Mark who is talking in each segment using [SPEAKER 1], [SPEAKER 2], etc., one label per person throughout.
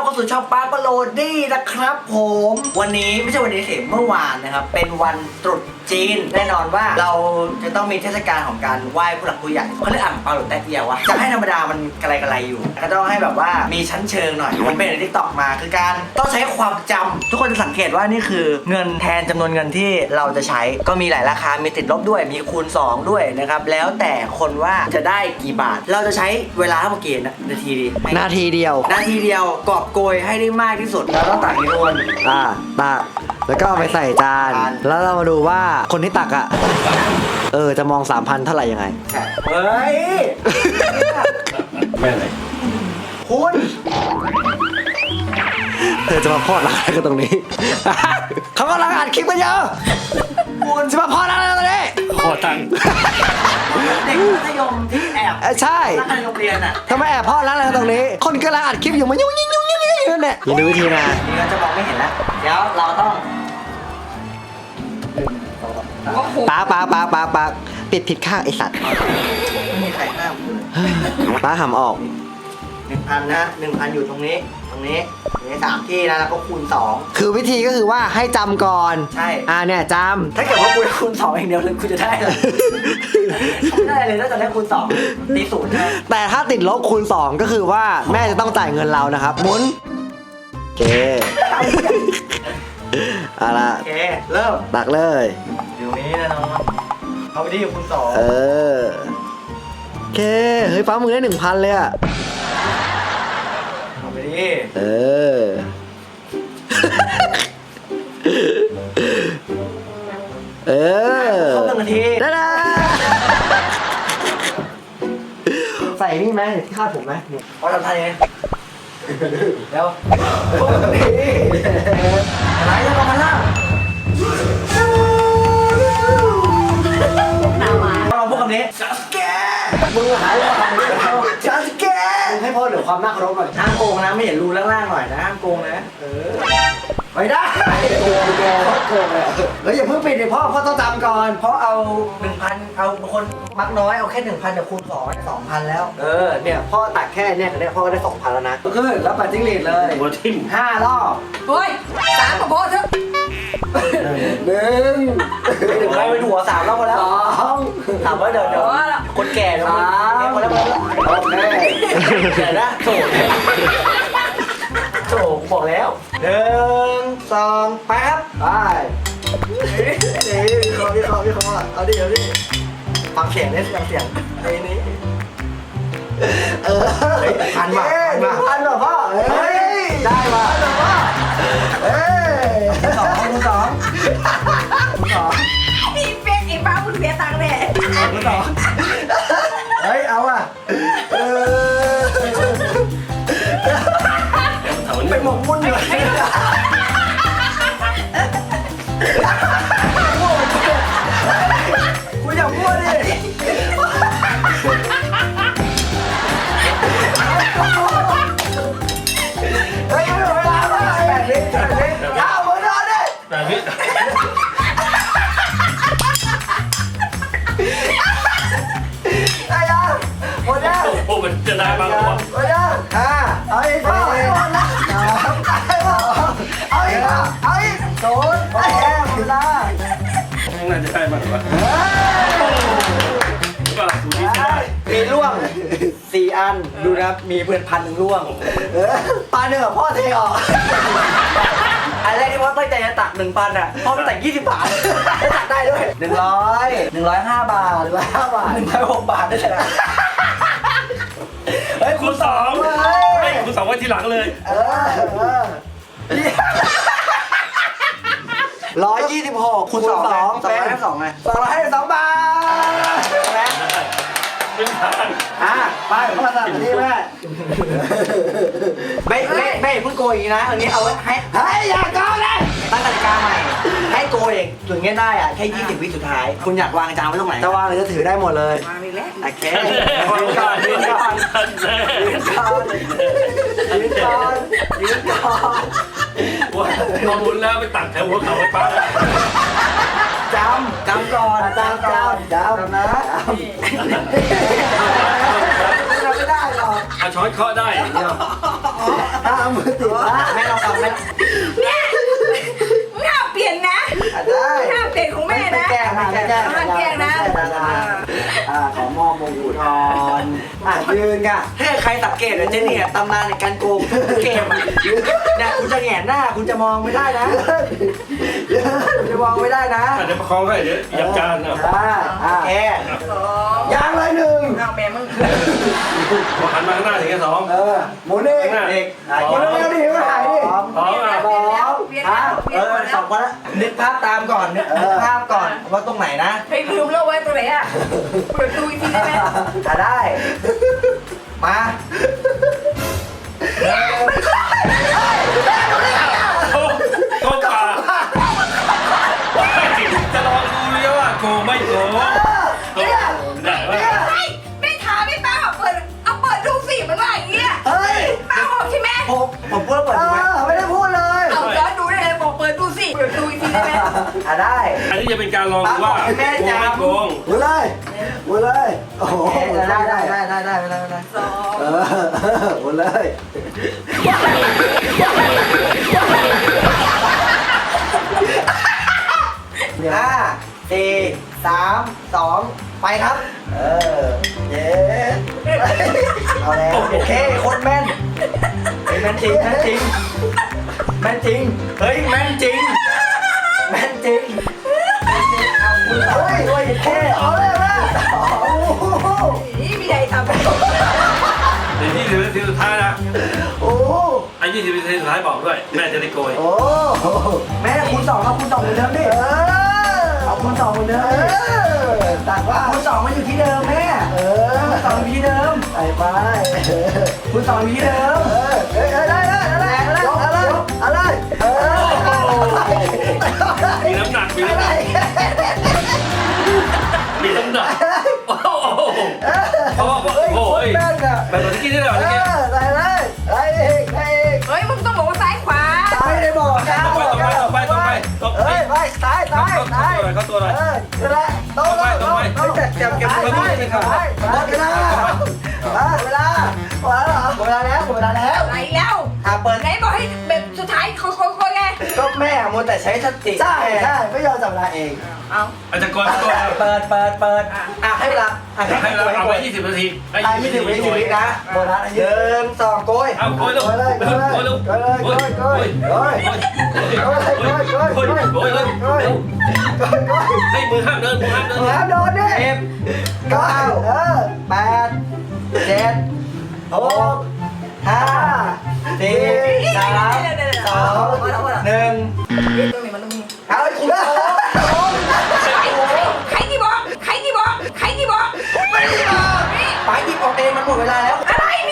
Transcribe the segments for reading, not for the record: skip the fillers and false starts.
[SPEAKER 1] เข้าสู่ช่องป้าปโรดี้นะครับผมวันนี้ไม่ใช่วันนี้สิเมื่อวานนะครับเป็นวันตรุษจีนแน่นอนว่าเราจะต้องมีเทศกาลของการไหว้ผู้หลักผู้ใหญ่เขาเรียกอ่างเปาหรือแต๊ะเอียววะจะให้ธรรมดามันกระไรอยู่ก็ต้องให้แบบว่ามีชั้นเชิงหน่อยผมเป็นในทิกตอกมาคือการต้องใช้ความจำทุกคนจะสังเกตว่านี่คือเงินแทนจำนวนเงินที่เราจะใช้ก็มีหลายราคามีติดลบด้วยมีคูณ2ด้วยนะครับแล้วแต่คนว่าจะได้กี่บาทเราจะใช้เวลาทั้งหมดกี่นาทีดี
[SPEAKER 2] นาทีเดียว
[SPEAKER 1] กอบโกยให้ได้มากที่สุดแล้วต้องตักอีกคน
[SPEAKER 2] ตักแล้วก็เอาไปใส่จานแล้วเรามาดูว่าคนที่ตักจะมอง 3,000 เท่าไหร่ยังไง
[SPEAKER 1] เฮ้ย
[SPEAKER 3] ไม่อะไร
[SPEAKER 1] คุณ
[SPEAKER 2] เธอจะมาพอดร้านกันตรงนี้ เขากำลังอัดคลิปกันเยอะคุณจะมาพอดร้านกันตรงนี้
[SPEAKER 3] ขอตังค์
[SPEAKER 1] เด็กมัธยมที่แอบ
[SPEAKER 2] ใช่
[SPEAKER 1] ในโรงเรียนอ่ะ
[SPEAKER 2] ทำไมแอบพอดร้านกันตรงนี้คนกำลังอัดคลิปอยู่มายุ่งนั่นแหละอย่าดูวิธีนะ
[SPEAKER 1] นี่เราจะมองไม่เห็นแล้วเดี๋ยวเราต้อง
[SPEAKER 2] ป้าปิดผิดข้างไอสัตว์
[SPEAKER 1] ไม่มีใครห้าม
[SPEAKER 2] ป้าหำออก
[SPEAKER 1] 1,000 นะ 1,000 อยู่ตรงนี้3ที่นะแล้วก็คูณ2
[SPEAKER 2] คือวิธีก็คือว่าให้จำก่อน
[SPEAKER 1] ใช่
[SPEAKER 2] เนี่ยจ
[SPEAKER 1] ำถ้าเกิดว่ากูคูณ2เองเดียวเลยกูจะได้เลยไม่ได้เลยถ้าจะได้คูณ2ตี0นะ
[SPEAKER 2] แต่ถ้าติดลบคูณ2ก็คือว่าแม่จะต้องจ่ายเงินเรานะครับหมุนโอเคเอาละ
[SPEAKER 1] โอเคเริ่ม
[SPEAKER 2] ตักเลย
[SPEAKER 1] เดี๋ยวนี้นะน้องเอาไปที่คูณ2
[SPEAKER 2] โอเคเฮ้ยป้ามึงได้ 1,000 เลยอะ
[SPEAKER 1] เอาไปดิครบ1 นาที
[SPEAKER 2] ได้ใส่นี่ไหมที่คาดผมไหม
[SPEAKER 1] พอทำทันเองเดี๋ยวครบ1 นาทีอะไรจะลงมาล่างเราพูดคำนี้จัสแกมึงหายไปคำนี้จัสแก
[SPEAKER 2] ให้พ่อเหลือความน่าเคารพหน่อย
[SPEAKER 1] ห้ามโกงนะไม่เห็นรูล่างๆหน่อยนะห้ามโกงนะไม่ได้
[SPEAKER 2] โกงเลยแล้วอย่าเพิ่งปิดเลยพ่อต้องจำก่อน
[SPEAKER 1] เพราะเอา 1,000 เอาคนมักน้อยเอาแค่ 1,000แต่คูณ2ได้ 2,000 แล้ว
[SPEAKER 2] เนี่ยพ่อตักแค่เนี่ยพ่อก็ได้ 2,000 แล้วนะ
[SPEAKER 1] ก็คือแล้วปัดจิ้งหรีดเลย
[SPEAKER 3] หัวทิ่ม
[SPEAKER 1] 5 รอบ
[SPEAKER 4] เฮ้ย3กับพ่อเถอะ
[SPEAKER 1] 1ไปเป็นหัว3 รอบพอแล้ว2ถามว่าเดี๋ยวคนแก่3คนแล้วโอเคเดี๋ยวนะโถบอกแล้ว1 2ไปครับไปพี่เขาเอาดิฟังเสียงไอ้นี่พันเหรอพ่อได้มาพ่อคูณ2
[SPEAKER 4] พี่เป๊กไอ้บ้าคุณเสียตังค์เลย
[SPEAKER 1] คูณ2เอาอ่ะไปหมกมุ่นเลยกูอยากพูดดิเฮ้ยไม่เวลาแล้ว8 วิเอาหมดแล้วดิ
[SPEAKER 3] 8 วิ
[SPEAKER 1] ได้ยังหมดแล้ว
[SPEAKER 3] โอ้มันจะได้บ้างวะ
[SPEAKER 1] หมดแล้วเอาอีกพ่อเอาอีก0โอเคหมดแล้ว
[SPEAKER 3] น่าจะได้บ้างวะก็สูตรนี้ใช่
[SPEAKER 1] มีร่วง4 อันดูนะมีเพื่อน1,000ร่วงปลา1พ่อเทออกอันแรกที่พ่อตั้งใจจะตัก 1,000 อ่ะพ่อไปตัก20 บาทตักได้ด้วย105 บาท105 บาท106 บาทได้เลยนะ
[SPEAKER 3] เฮ้ยคูณ2คูณ2ไว้ทีหลังเลย
[SPEAKER 1] 126คูณ2เป็น2ไง252 บาทไปพ่อสั่งที่แม่ไม่เพิ่งโกยอีกนะอันนี้เอาไว้ให้อย่าโกยเลยตั้งกติกาใหม่ให้โกยเองถึงเงี้ยได้แค่20 วิสุดท้ายคุณอยากวางจานไว้ตรงไหน
[SPEAKER 2] จะวางหรือจะถือได้หมดเลย
[SPEAKER 4] มาอีกแล้ว
[SPEAKER 1] โอเคยืนก่อน
[SPEAKER 3] ว่าบุญแล้วไปตักแถวหัวเขาไปป้า
[SPEAKER 1] จำก่อนจำนะไม่ได้หรอก
[SPEAKER 3] ช้อนเคาะได้
[SPEAKER 1] เอา
[SPEAKER 2] มือติดนะ
[SPEAKER 1] แม่ลองฟังแม่
[SPEAKER 4] เนี่ยมึงห้ามเปลี่ยนนะ
[SPEAKER 2] ได้
[SPEAKER 4] ห้ามเปลี่ยนของแม่นะ
[SPEAKER 2] แก้ไม่แก้
[SPEAKER 4] ห้ามแกล้งนะ
[SPEAKER 2] ขอมอบมงกุฎทอนยืนค่ะ
[SPEAKER 1] ถ้าใครสังเกตนะเจนี่ตำนานในการโกงทุกเกมอะเนี่ยคุณจะแหงนหน้าคุณจะมองไม่ได้นะคุณจะมองไม่ได้นะ
[SPEAKER 3] เดี๋ยวประคองให้เดี๋ยวเหยียบจานเอา
[SPEAKER 2] ได้
[SPEAKER 1] โอเค
[SPEAKER 2] ยางเลยหนึ่ง
[SPEAKER 4] เอาแม่มึง
[SPEAKER 3] พอหันมาข้างหน้าถึงแค่สอง
[SPEAKER 2] หมุนเอง
[SPEAKER 3] ข้างหน้า
[SPEAKER 1] เด็ก
[SPEAKER 2] หมุนเร็วๆดิไม่หายดิ
[SPEAKER 3] พร้อมอ่ะ
[SPEAKER 2] สอง
[SPEAKER 4] เปลี่ยนแล้วเปลี่ยนหมด
[SPEAKER 1] ส
[SPEAKER 4] แล้
[SPEAKER 1] อ
[SPEAKER 4] ว
[SPEAKER 1] งคนละนึกภาพตามก่อนนึกภาพก่อนว่าตรงไหนนะ
[SPEAKER 4] ไปลืมแล้วไว้ตัวไหนอ่ะเปิดดูอีกทีได้ไหม
[SPEAKER 1] ได้ มา
[SPEAKER 3] โกงป่าจะลองดูเลยว่าโกงไม่โกงได้ไหม
[SPEAKER 4] เฮ้ยแม่ถามไม่ป้าเปิดดูสิมันว่าอย่างเงี้ย
[SPEAKER 2] เฮ้ย
[SPEAKER 4] ป้าบอกใช่ไหม
[SPEAKER 1] ผมพูดแล้วเปิดดูไหม
[SPEAKER 2] ไม่ได้พูดเลย
[SPEAKER 4] เอาย้อนดูได้เลยบอกเปิดดูสิเปิดดูอีกทีได้ไหม
[SPEAKER 1] ได้
[SPEAKER 3] อันนี้จะเป็นการลองดูว่าโกงไม่โกง
[SPEAKER 2] หมุนเลยหมุนเลยโอ้โห
[SPEAKER 1] ได้ไม่ได้
[SPEAKER 4] สอง
[SPEAKER 2] หมุนเลย
[SPEAKER 1] ห้าสี่สามสองไปครับ
[SPEAKER 2] เย้
[SPEAKER 1] เอาแล้วโอเคโคตรแม่นแม่นจริงแม่นจริงแม่นจริงเฮ้ยแม่นจริงแม่นจริงเอาคุณเอาไปด้วยแค่
[SPEAKER 2] เอาเลยนะโอ้โห
[SPEAKER 4] นี่มีใครทำ
[SPEAKER 3] เดี๋ยว20 นาทีสุดท้ายนะ
[SPEAKER 2] โอ้โห
[SPEAKER 3] ไอ้20 นาทีสุดท้ายบอกด้วย แม่จะได้โกย
[SPEAKER 2] โอ้โห
[SPEAKER 1] แม่คูณสองเอาคูณสองเหมือนเดิมดิเอาคูณสองเหมือนเดิมดิ
[SPEAKER 2] ตักว่า
[SPEAKER 1] คูณสองมาอยู่ที่เดิมแม่คูณสองอยู่ที่เดิม
[SPEAKER 2] ไปไป
[SPEAKER 1] คูณสองอยู่ที่เดิม
[SPEAKER 2] เฮ้ยได้อะไร
[SPEAKER 3] มีน้ำหนักมีน้ำหนักมีน้ำหนักโอ้โหเพราะว่าโอ้ย
[SPEAKER 2] แม่งอะ
[SPEAKER 3] แบบที่กินได้หรอที่กิน
[SPEAKER 2] ได้เลยได้อีกได้อีก
[SPEAKER 4] เฮ้ยมึงต้องบอกว่าซ้ายขวา
[SPEAKER 2] ไม่ได้บอกนะ
[SPEAKER 3] ตบไป
[SPEAKER 2] เฮ้ยไปซ้ายซ้ายซ้าย
[SPEAKER 3] เข้าตัวหน่อย
[SPEAKER 2] นั่นแหละโต๊ะโต๊ะเก็บเวลาเวลาหมดเวลาแล้วหมดเวลาแล้ว
[SPEAKER 4] ไหนแล้ว
[SPEAKER 1] เปิด
[SPEAKER 4] ไหนบอกให้แบบสุดท้ายค่อยๆไง
[SPEAKER 1] ก็แม่มัวแต่ใช้สติ
[SPEAKER 2] ใช่ใช่ไม่ยอมจับเวลาเอง
[SPEAKER 4] เอา
[SPEAKER 3] อาจจะก่อนตัว
[SPEAKER 1] เปิดให้เวลา
[SPEAKER 3] ให้เราเอาไป20 นาที
[SPEAKER 1] ได้ไม่ถึง20 วินะ
[SPEAKER 2] โบนัส
[SPEAKER 1] หนึ่งสองโกย
[SPEAKER 3] เอาโกยลูกโกยลูกโกยโกยโกยให้มือห้ามเดินมือห้ามเดิน
[SPEAKER 2] แล้วโดนดิ
[SPEAKER 1] เก้าแปดเจ็ดหกห้าสี่สามสองหนึ่ง
[SPEAKER 4] ตรงนี้มันต้องมี
[SPEAKER 1] เอาคุณ
[SPEAKER 4] ใครที่บอกใครที่บอกใครที่บอก
[SPEAKER 1] ไม่ได้บอกไปหยิบออกเองมันหมดเวลาแล้ว
[SPEAKER 4] อะไรนี่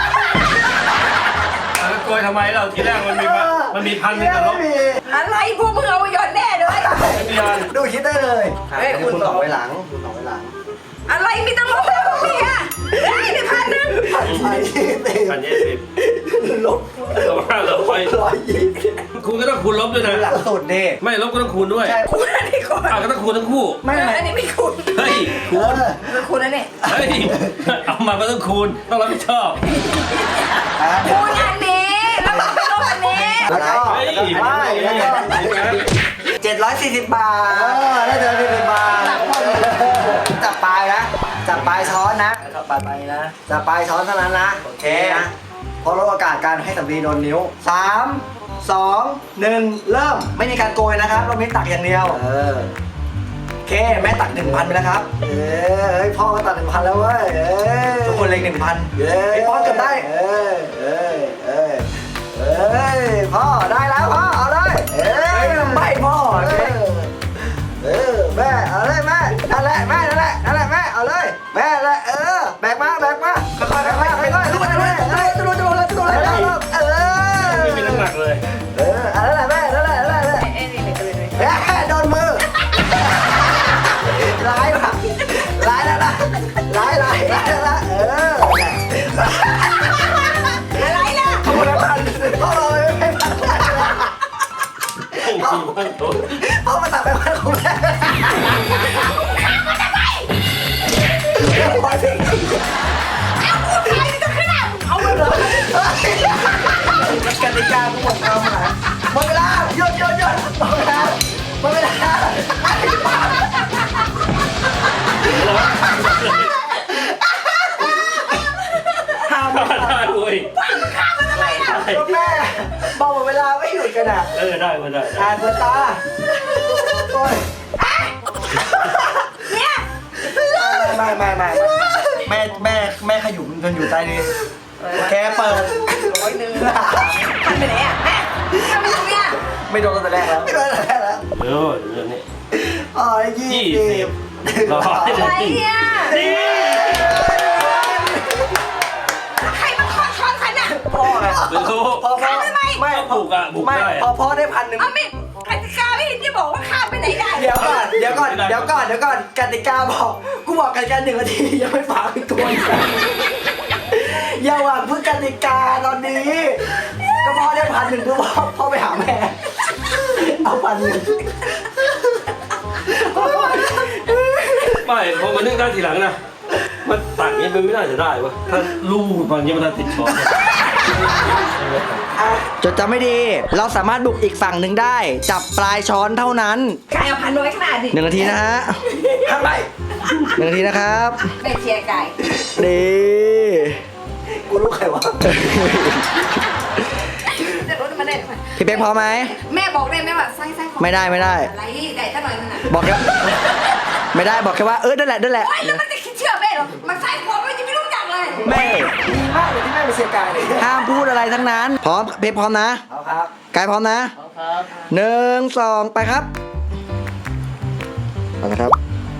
[SPEAKER 3] โกยทำไมเราทีแรกมันมีพันหนึ่งแต่ลบ
[SPEAKER 4] อะไรพวกมึงเอาไปย้อนแน่เลย
[SPEAKER 3] ไม่มีพัน
[SPEAKER 2] ดูคิดได้เลย
[SPEAKER 1] คุณต่อไว้หลังคุณต่อไว้หลัง
[SPEAKER 4] อะไรมีตั้งลบแล้วพวกนี้อ่ะได้ไปพันนึง
[SPEAKER 3] 1,020ลบ1,500 คุณก็ต้องคูณลบด้วยนะ
[SPEAKER 1] หลังสุดดิ
[SPEAKER 3] ไม่ลบก็ต้องคูณด้วย
[SPEAKER 4] คุณอันนี้ก่อน
[SPEAKER 3] ก็ต้องคูณทั้งคู่
[SPEAKER 1] ไม่
[SPEAKER 4] อันนี้ไม่คุณ
[SPEAKER 3] เฮ้ยคูณ
[SPEAKER 4] คุณอันนี้
[SPEAKER 3] เฮ้ยเอามาก็ต้องคูณต้องรับผิดชอบ
[SPEAKER 4] คุณอันนี้แล้วก็ลบอันนี้
[SPEAKER 2] แล้วก็
[SPEAKER 3] เฮ้ย
[SPEAKER 1] 740 บาท
[SPEAKER 2] ได้เจอพี่เป็นมา
[SPEAKER 1] จับปลายนะจับปลายช้อนนะจับปลายไปนะ
[SPEAKER 2] จะไปช้อนเท่านั้นนะ
[SPEAKER 1] โอเค
[SPEAKER 2] นะเพราะลดโอกาสการให้สำลีโดนนิ้ว
[SPEAKER 1] 3 2 1 เริ่มไม่มีการโกยนะครับเราไม่ตักอย่างเดียวโอเคแม่ตัก 1,000 ไปแล้วครับ
[SPEAKER 2] เฮ้ยพ่อก็ตัด1,000แล้วเว้ย
[SPEAKER 1] ทุกคนเล็ง 1,000ไอ้ป้อนเกือบได้
[SPEAKER 2] พ่อได้แล้วพ่อเอาเลย
[SPEAKER 1] ไม่พ่อ
[SPEAKER 2] แม่เอาเลยแม่นั่นแหละแม่นั่นแหละนั่นแหละแม่เอาเลยแม่แหละแบกมาค่อยๆลุกเลย
[SPEAKER 3] ไม่มีน้ำหนักเลย
[SPEAKER 2] นั่นแหละแม่นั่นแหละ
[SPEAKER 4] เอ้ยนี่ไม่ตื่นเลย
[SPEAKER 2] แม่โดนมือร้ายว่ะร้ายแล้วนะร้ายแล้วนะ
[SPEAKER 4] อะไรล่ะ
[SPEAKER 2] พ่อเลยไม่พันพ่อมาตัดไปพันของแม่พอสิ
[SPEAKER 4] เอาคุณใครจะขนาดเอาเลยเหรอ
[SPEAKER 1] กูหมดความหมายหมดเวลาหยุดหมดเวลาห้าม
[SPEAKER 3] ได้ด้วย
[SPEAKER 1] ก็แม่บอกหมดเวลาไม่หยุดกันอ่ะ
[SPEAKER 3] ได้มาได้
[SPEAKER 1] อ่านเปิดตาโอ้ย
[SPEAKER 4] เนี่ย
[SPEAKER 1] ไม่แม่ขยุมจนอยู่ใต้นี้แกเปิด
[SPEAKER 4] ทำไปไหนอ่ะแม่ทำไปตรงเนี้ย
[SPEAKER 1] ไม่โดนตั้งแต่แรกแล้ว
[SPEAKER 3] เรื่องนี้
[SPEAKER 1] อ๋อ20
[SPEAKER 3] ร้อย
[SPEAKER 4] อะไรเนี่ยใครมาขอช้อนฉันอ่ะ
[SPEAKER 1] พ่อไง
[SPEAKER 3] ไม่รู้
[SPEAKER 1] พ่อ
[SPEAKER 3] ไม่
[SPEAKER 1] ไม่
[SPEAKER 3] บุกได้
[SPEAKER 1] พอพ่อได้1,000
[SPEAKER 4] เอาไม่กติกาไม่เห็นจะบอกว่าข้ามไปไหนได้
[SPEAKER 1] เดี๋ยวก่อนกติกาบอกกูบอกกันกัน1 นาทียังไม่ฝากอีกตัวอย่าหวังพึ่งกติกาตอนนี้ก็พ่อได้1,000เพื่อพ่อไปหาแม่เอา1,000
[SPEAKER 3] ไม่พอมานึกได้ทีหลังนะมันตักนี้มันไม่น่าจะได้วะถ้าลูกตอนนี้มันน่าติดช้อน
[SPEAKER 2] จดจำไม่ดี เราสามารถบุกอีกฝั่งหนึ่งได้ จับปลายช้อนเท่านั้น
[SPEAKER 4] ไก่เอาพันน้อยขนาดดิ
[SPEAKER 2] 1 นาทีนะฮะ
[SPEAKER 1] ทำไม
[SPEAKER 2] 1 นาทีนะครับ
[SPEAKER 4] ไปเชียร์ไก่
[SPEAKER 2] ดี
[SPEAKER 1] กูรู้ใครวะ
[SPEAKER 4] จะรู้มันได้ไหม
[SPEAKER 2] พี่เป๊กพร้อมไหม
[SPEAKER 4] แม่บอกได้ไหมว่าไส้ของ
[SPEAKER 2] ไม่ได้
[SPEAKER 4] อะไรได้ซะหน่อยมันอ่ะ
[SPEAKER 2] บอกแค่ไม่ได้บอกแค่ว่านั่นแหละ
[SPEAKER 4] โอ๊ยแล้วมันจะคิดเชื่อแม่เหรอมันไส้ของมันจะไม่รู้จักเลย
[SPEAKER 2] แม่
[SPEAKER 1] ดีมากเลยที่แม่ไปเชียร์กายเลย
[SPEAKER 2] ห้ามพูดอะไรทั้งนั้น พร้อมเป๊กพร้อมนะ
[SPEAKER 1] เอาครับ
[SPEAKER 2] กายพร้อมนะ
[SPEAKER 1] เอาครับ
[SPEAKER 2] 1 2 ไปครับเอาละครับ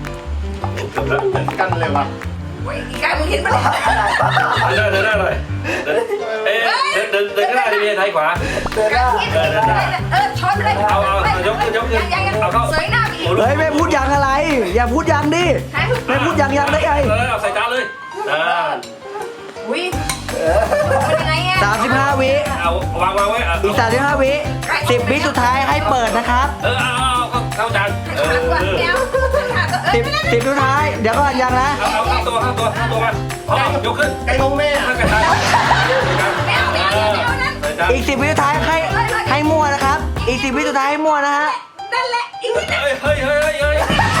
[SPEAKER 5] กันเลยวะ
[SPEAKER 4] โอ๊ยอีกไก่มึงเห็นมันเลย
[SPEAKER 3] ได้เลยเดินข้างหน้าดีเมียไทยขวา
[SPEAKER 1] เดินหน้า
[SPEAKER 4] ช้อนไปเลย
[SPEAKER 3] เอายกเอาเข้า
[SPEAKER 4] เสยหน้าไปอีก
[SPEAKER 2] เฮ้ยไม่พูดยังอะไร อย่าพูดยังดิ ไม่พูดยังได้ไง
[SPEAKER 3] เอาใส่จานเลย
[SPEAKER 4] อุ้ยเป็นยังไงอ่ะ
[SPEAKER 2] 35 วิ
[SPEAKER 3] เอาวางไว้
[SPEAKER 2] อีก35 วิ10 วิสุดท้ายให้เปิดนะครับ
[SPEAKER 3] เอาเข้าจาน
[SPEAKER 4] เดี๋ยว
[SPEAKER 2] 10สุดท้าย เดี๋ยวก่อนยังนะ
[SPEAKER 3] เอาเข้าตัวมาพอยกขึ้น
[SPEAKER 5] ไก่งงแม่
[SPEAKER 3] ข้างกระทะ
[SPEAKER 4] ไม่เอานั้น
[SPEAKER 2] อีก10 วิสุดท้ายให้มั่วนะครับ อีก10 วิสุดท้ายให้มั่วนะฮะ
[SPEAKER 4] นั่นแหละอีกนิดนึง
[SPEAKER 3] เฮ้ย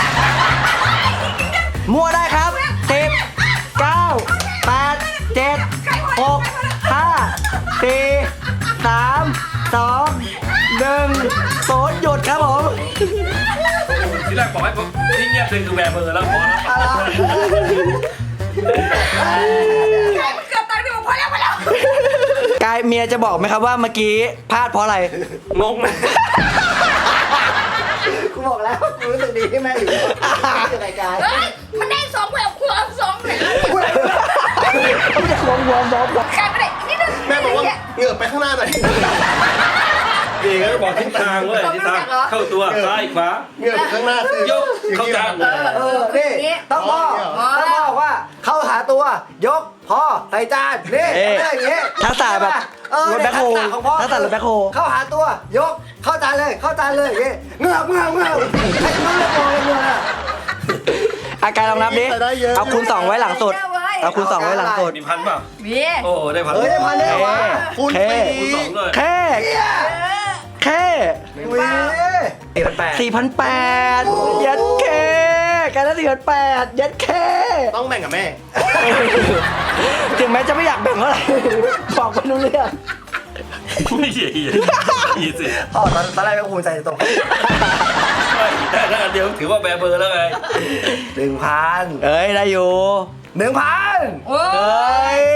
[SPEAKER 2] มั่วได้ครับ10 9 8 7 6 5 4 3 2 1 0หยุดครับผม
[SPEAKER 3] ที่แรกบอกให้ผมที่เงียบเลยคือแหวนมือแล้วพอแล้ว
[SPEAKER 4] ไก่มันเกือบตายไปหมดพอแล้ว
[SPEAKER 2] กายเมียจะบอกไหมครับว่าเมื่อกี้พลาดเพราะอะไร
[SPEAKER 3] งงไหม
[SPEAKER 1] กูบอกแล้วกูรู้สึกดีที่แม่อยู่ในรายการ
[SPEAKER 4] เฮ้ยมันได้2แบบคูณ2เลย
[SPEAKER 2] ไม่ได้ควงวอม
[SPEAKER 4] ไก่ไม่ได้นิดนึง
[SPEAKER 5] แม่บอกว่าเหงือบไปข้างหน้าหน่อย
[SPEAKER 3] เด็กก็บอกทิศทางเว้ยทิศทางเข้าตัวซ้ายขวา
[SPEAKER 5] เหงือบข้างหน้าคือย
[SPEAKER 3] กเข้าจาน
[SPEAKER 1] นี่ต้องพ่อบอกว่าเข้าหาตัวยกพ่อใส่จานนี่อย่างงี้
[SPEAKER 2] ทักษะแบบรถแบ็คโฮทักษะรถแบ็คโฮ
[SPEAKER 1] เข้าหาตัวยกเข้าจานเลยอย่างงี้เงือบใครรู้เรื่องมองเลย
[SPEAKER 2] อาการลองนับดิ เอาคูณ 2 ไว้หลังสุด เอาคูณ 2 ไว้หลังสุด
[SPEAKER 3] มีพันเปล่า
[SPEAKER 4] มี
[SPEAKER 3] โอ้ได้พัน
[SPEAKER 1] เฮ้ยได้พันได้เหรอวะ
[SPEAKER 5] คูณ
[SPEAKER 2] แค่
[SPEAKER 5] ปี
[SPEAKER 3] คูณ2ด้วย
[SPEAKER 2] แค่
[SPEAKER 1] วี
[SPEAKER 2] 4,800ยัดแค่การละ4,800ยัดแค่
[SPEAKER 5] ต้องแบ่งกับแม่
[SPEAKER 2] ถึงแม้จะไม่อยากแบ่งเท่าไหร่บอกไม่รู้เรื่อง
[SPEAKER 3] ไม่ใช่อีสิ
[SPEAKER 1] อ๋อตอนแรกก็ภูมิใจตรง
[SPEAKER 3] ได้แล้วเดี๋ยวถือว่าแบเบอร์แล้วไง
[SPEAKER 1] 1,000
[SPEAKER 2] เอ้ย ได้อยู่
[SPEAKER 1] 1,000
[SPEAKER 4] โอ้
[SPEAKER 2] เอ้ย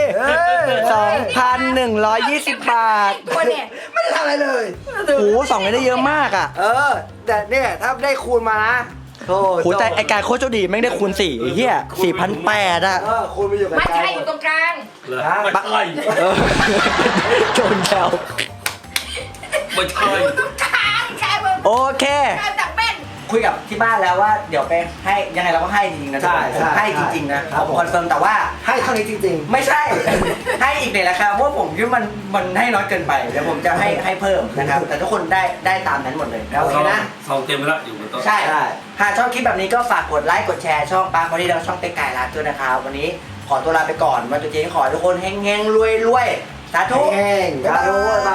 [SPEAKER 2] 2,120 บาท
[SPEAKER 4] ตัวเนี่ย
[SPEAKER 1] ไม่ได้ทำอะไรเลย
[SPEAKER 2] โห2เลยได้เยอะมากอ่ะ
[SPEAKER 1] แต่เนี่ยถ้าได้คูณมานะโธ่
[SPEAKER 2] โหแต่ไอการโคตรโชคดีแม่งได้คูณ4ไอ้เหี้ย4,800อ่ะ
[SPEAKER 1] คูณไปอยู่กับ
[SPEAKER 4] มันใช่อยู่ตรงกลาง
[SPEAKER 3] ไม่ใช่
[SPEAKER 2] เออโจนแถว
[SPEAKER 3] ไม่ใช่
[SPEAKER 4] อยู่ตรงกลางไก่มึง
[SPEAKER 2] โอเค
[SPEAKER 4] กลางจากแม่น
[SPEAKER 1] คุยกับที่บ้านแล้วว่าเดี๋ยวไปให้ยังไงเราก็ให้จริงๆนะผมให้จริงๆนะผมคอนเฟิร์มแต่ว่าให้เท่านี้จริงๆ ไม่ใช่ ให้อีกในราคาเพราะว่าผมคิดว่ามันให้น้อยเกินไปเดี๋ยวผมจะให้เพิ่มนะครับแต่ทุกคนได้ตามนั้นหมดเลยโอเคนะ
[SPEAKER 3] ซองเต็มแล้วอยู่บนโต๊ะ
[SPEAKER 1] ใช่หากชอบคลิปแบบนี้ก็ฝากกดไลค์กดแชร์ช่องปาร์คพอดีแล้วก็ช่องเป๊กไก่ร้านด้วยนะครับวันนี้ขอตัวลาไปก่อนวันตรุษจีนขอให้ทุกคนเฮงๆรวยๆสาธุ
[SPEAKER 5] แห้ง
[SPEAKER 1] สาธุ